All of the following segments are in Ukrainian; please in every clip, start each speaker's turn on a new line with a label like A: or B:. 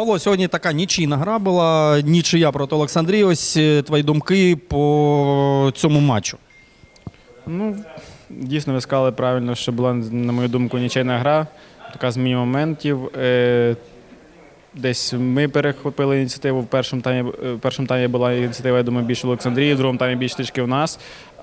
A: Павло, сьогодні така нічийна гра була, нічия проти Олександрії. Ось твої думки по цьому матчу.
B: Ну, дійсно, ви сказали правильно, що була, на мою думку, нічийна гра, така зміна моментів. Десь ми перехопили ініціативу в першому таймі була ініціатива, я думаю, більше в Олександрії, в другому таймі більше трішки в нас.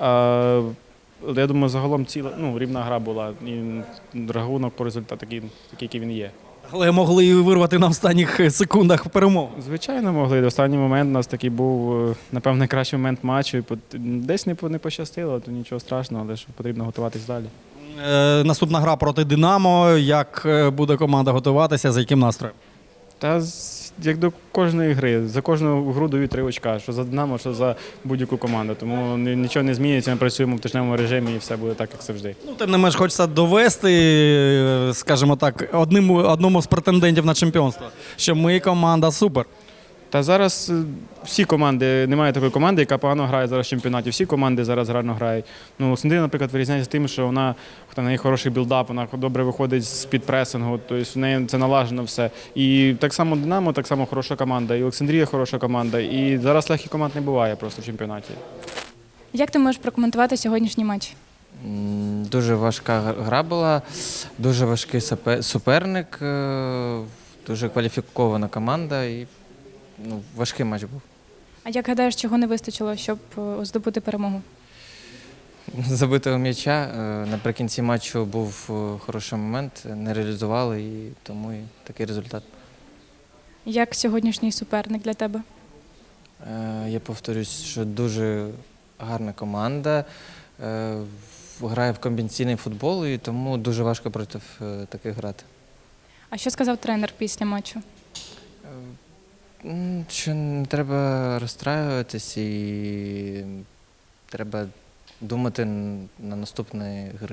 B: Я думаю, загалом рівна гра була. І рахунок по результату такий, який він є.
A: Але могли і вирвати на останніх секундах перемогу.
B: Звичайно, могли. Останній момент у нас такий був, напевно, найкращий момент матчу. Десь не пощастило, то нічого страшного, але ж потрібно готуватись далі.
A: Наступна гра проти «Динамо». Як буде команда готуватися, за яким настроєм?
B: Та як до кожної гри, за кожну гру дають 3 очка, що за «Динамо», що за будь-яку команду. Тому нічого не зміниться, ми працюємо в тижневому режимі і все буде так, як завжди.
A: Ну, тим не менш, хочеться довести, скажімо так, одному з претендентів на чемпіонство, що ми команда супер.
B: Та зараз всі команди, немає такої команди, яка погано грає зараз в чемпіонаті. Всі команди зараз гарно грають. Ну, Олександрія, наприклад, вирізняється тим, що вона в неї хороший білдап, вона добре виходить з-під пресингу, тобто в неї це налажено все. І так само «Динамо», так само хороша команда, і Олександрія хороша команда. І зараз легких команд не буває просто в чемпіонаті.
C: Як ти можеш прокоментувати сьогоднішній матч?
D: Дуже важка гра була, дуже важкий суперник, дуже кваліфікована команда і важкий матч був.
C: А як гадаєш, чого не вистачило, щоб здобути перемогу?
D: Забитого м'яча. Наприкінці матчу був хороший момент, не реалізували, і тому і такий результат.
C: Як сьогоднішній суперник для тебе?
D: Я повторюсь, що дуже гарна команда, грає в комбінаційний футбол, і тому дуже важко проти таких грати.
C: А що сказав тренер після матчу?
D: Що не треба розстраюватись і треба думати на наступні гри.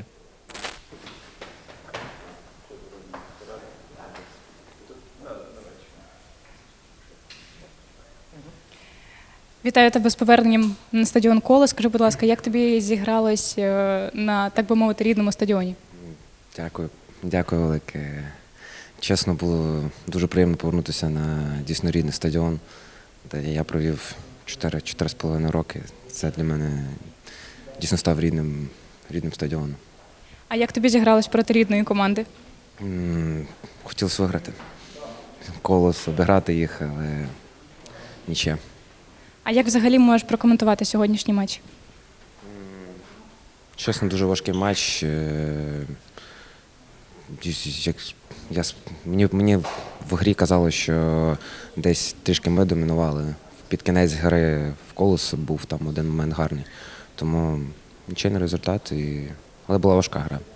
C: Вітаю тебе з поверненням на стадіон «Колос». Скажи, будь ласка, як тобі зігралось на, так би мовити, рідному стадіоні?
E: Дякую велике. Чесно, було дуже приємно повернутися на дійсно рідний стадіон, де я провів 4,5 роки. Це для мене дійсно став рідним стадіоном.
C: А як тобі зігралось проти рідної команди?
E: Хотілося виграти. Колос, обіграти їх, але нічия.
C: А як взагалі можеш прокоментувати сьогоднішній матч?
E: Чесно, дуже важкий матч. Мені в грі казали, що десь трішки ми домінували. Під кінець гри в «Колос» був там один момент гарний. Тому нічийний результат, але була важка гра.